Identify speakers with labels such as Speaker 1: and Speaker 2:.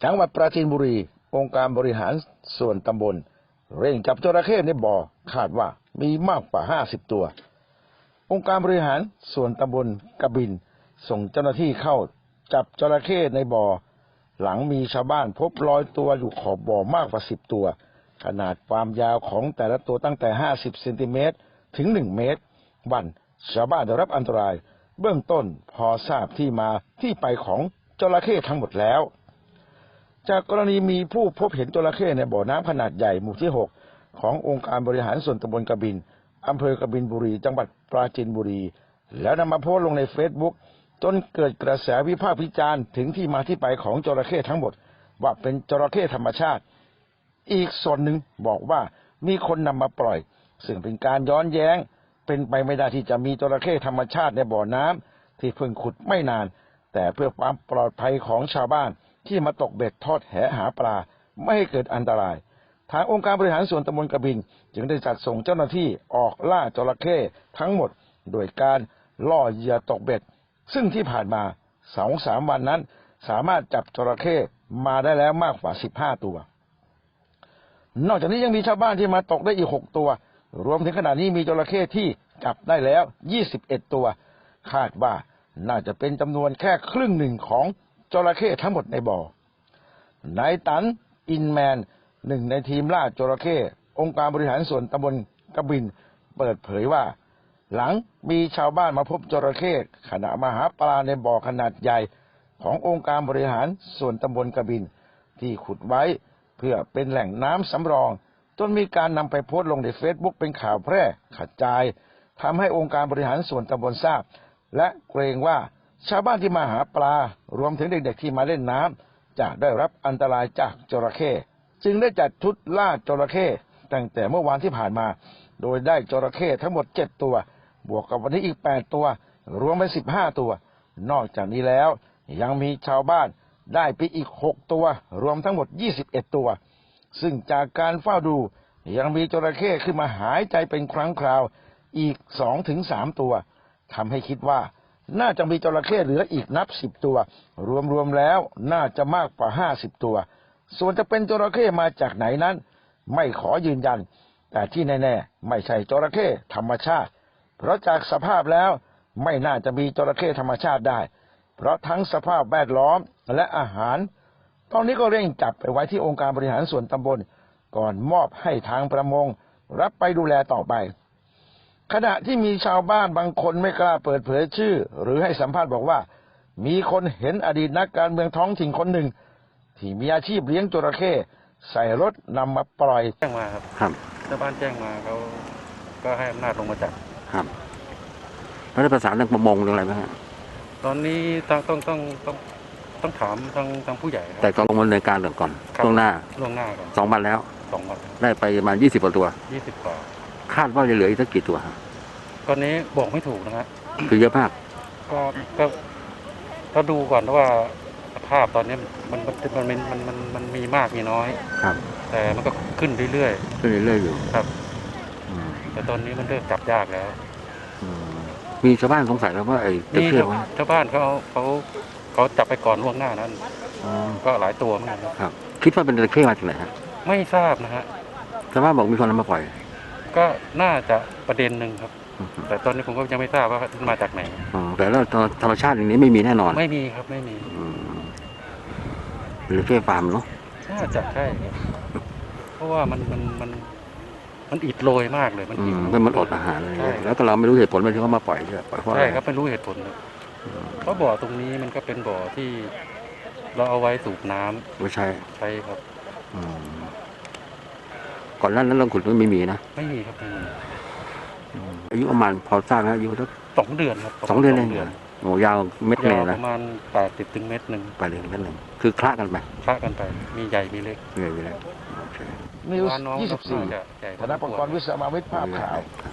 Speaker 1: จังหวัดปราจีนบุรีองค์การบริหารส่วนตำบลเร่งจับจระเข้ในบ่อคาดว่ามีมากกว่า50ตัวองค์การบริหารส่วนตำบลกบินส่งเจ้าหน้าที่เข้าจับจระเข้ในบ่อหลังมีชาวบ้านพบรอยตัวอยู่ขอบบ่อมากกว่า10ตัวขนาดความยาวของแต่ละตัวตั้งแต่50เซนติเมตรถึง1เมตรวันชาวบ้านได้รับอันตรายเบื้องต้นพอทราบที่มาที่ไปของจระเข้ทั้งหมดแล้วจากกรณีมีผู้พบเห็นจระเข้ในบ่อน้ำขนาดใหญ่หมู่ที่6ขององค์การบริหารส่วนตำบลกบินอำเภอกบินบุรีจังหวัดปราจีนบุรีแล้วนำมาโพสต์ลงในเฟซบุ๊กจนเกิดกระแสวิพากษ์วิจารณ์ถึงที่มาที่ไปของจระเข้ทั้งหมดว่าเป็นจระเข้ธรรมชาติอีกส่วนหนึ่งบอกว่ามีคนนำมาปล่อยซึ่งเป็นการย้อนแย้งเป็นไปไม่ได้ที่จะมีจระเข้ธรรมชาติในบ่อน้ำที่เพิ่งขุดไม่นานแต่เพื่อความปลอดภัยของชาวบ้านที่มาตกเบ็ดทอดแหหาปลาไม่ให้เกิดอันตรายทางองค์การบริหารส่วนตำบลกบินจึงได้จัดส่งเจ้าหน้าที่ออกล่าจระเข้ทั้งหมดโดยการล่อเหยื่อตกเบ็ดซึ่งที่ผ่านมา 2-3 วันนั้นสามารถจับจระเข้มาได้แล้วมากกว่า15ตัวนอกจากนี้ยังมีชาวบ้านที่มาตกได้อีก6ตัวรวมถึงขณะนี้มีจระเข้ที่จับได้แล้ว21ตัวคาดว่าน่าจะเป็นจำนวนแค่ครึ่งหนึ่งของจระเข้ทั้งหมดในบ่อนายตันอินแมนหนึ่งในทีมล่าจระเข้องค์การบริหารส่วนตำบลกบินเปิดเผยว่าหลังมีชาวบ้านมาพบจระเข้ขณะมาหาปลาในบ่อขนาดใหญ่ขององค์การบริหารส่วนตำบลกบินที่ขุดไว้เพื่อเป็นแหล่งน้ำสำรองจนมีการนำไปโพสต์ลงในเฟซบุ๊กเป็นข่าวแพร่กระจายทำให้องค์การบริหารส่วนตำบลทราบและเกรงว่าชาวบ้านที่มาหาปลารวมถึงเด็กๆที่มาเล่นน้ำจะได้รับอันตรายจากจระเข้จึงได้จัดชุดล่าจระเข้ตั้งแต่เมื่อวานที่ผ่านมาโดยได้จระเข้ทั้งหมด7ตัวบวกกับวันนี้อีก8ตัวรวมเป็น15ตัวนอกจากนี้แล้วยังมีชาวบ้านได้ไปอีก6ตัวรวมทั้งหมด21ตัวซึ่งจากการเฝ้าดูยังมีจระเข้ขึ้นมาหายใจเป็นครั้งคราวอีก 2-3 ตัวทำให้คิดว่าน่าจะมีจระเข้เหลืออีกนับ10ตัวรวมแล้วน่าจะมากกว่า50ตัวส่วนจะเป็นจระเข้มาจากไหนนั้นไม่ขอยืนยันแต่ที่แน่ๆไม่ใช่จระเข้ธรรมชาติเพราะจากสภาพแล้วไม่น่าจะมีจระเข้ธรรมชาติได้เพราะทั้งสภาพแวดล้อมและอาหารตอนนี้ก็เร่งจับไปไว้ที่องค์การบริหารส่วนตำบลก่อนมอบให้ทางประมงรับไปดูแลต่อไปขณะที่มีชาวบ้านบางคนไม่กล้าเปิดเผยชื่อหรือให้สัมภาษณ์บอกว่ามีคนเห็นอดีตนักการเมืองท้องถิ่นคนหนึ่งที่มีอาชีพเลี้ยงจระเข้ใส่รถนำมาปล่อย
Speaker 2: แจ้งมาครับชาวบ้านแจ้งมาเขาก็ให้อำนาจลงมาจับ
Speaker 3: ครับแล้วได้ประสานเรื่องประมงเรื่องอะไรไหมฮะ
Speaker 2: ตอนนี้ต้องถามทางผู้ใหญ่
Speaker 3: แต่ก็ลงมาดำเนินการเรื่องก่อนล่วงหน้า
Speaker 2: ก่อน
Speaker 3: 2 วันแล้ว
Speaker 2: 2 วัน
Speaker 3: ได้ไปประมาณ20 กว่าตัว
Speaker 2: 20 กว่า
Speaker 3: คาดว่าจะเหลืออีกสักกี่ตัวฮะ
Speaker 2: ตอนนี้บอกไม่ถูกนะฮะ
Speaker 3: คือเยอะมาก
Speaker 2: ก็ดูก่อนว่าภาพตอนนี้มันมีมากมีน้อย
Speaker 3: ครับ
Speaker 2: แต่มันก็ขึ้นเรื่อย
Speaker 3: อยู่
Speaker 2: ครับแต่ตอนนี้มันเริ่มจับยากแล้ว
Speaker 3: มีชาวบ้านสงสัยแล้วว่าไอ้
Speaker 2: นี่ชาวบ้านเขาจับไปก่อนล่วงหน้านั้นก็หลายตัวเหมือนกัน
Speaker 3: ครับคิดว่าเป็นจระเข้มาจากไหนฮะ
Speaker 2: ไม่ทราบนะฮะ
Speaker 3: ชาวบ้านบอกมีคนนำมาปล่อย
Speaker 2: ก็น่าจะประเด็นหนึ่งครับแต่ตอนนี้ผมก็ยังไม่ทราบว่ามาจากไหน
Speaker 3: แต่แล้วธรรมชาติอย่างนี้ไม่มีแน่นอน
Speaker 2: ไม่มีครับไม่มี
Speaker 3: จระเข้ฟาร์มเนาะ
Speaker 2: น่าจะใช่เพราะว่ามันอิดโรยมากเลย
Speaker 3: มันอดอาหารเลยแล้วก็เราไม่รู้เหตุผลว่าที่เขามาปล่อยใช่
Speaker 2: ใช่ครับไม่รู้เหตุผลเพราะบ่อตรงนี้มันก็เป็นบ่อที่เราเอาไว้สูบน้ำ
Speaker 3: ไม่ใช่
Speaker 2: ครับ
Speaker 3: ก่อนหน้านั้นเราขุดไม่มีนะ
Speaker 2: ไม่มีครับ
Speaker 3: อายุประมาณพอทราบนะอายุสัก
Speaker 2: 2 เดือนครับ
Speaker 3: 2 เดือนเองโอ้ยาวเม็ดเลยนะ
Speaker 2: ประมาณ80 ถึง1 เมตร
Speaker 3: คือคละกัน
Speaker 2: ไปมีใหญ่มีเล็ก
Speaker 1: นิวส์ 24 ธนปกรณ์วิศววิทย์ภาพข่าว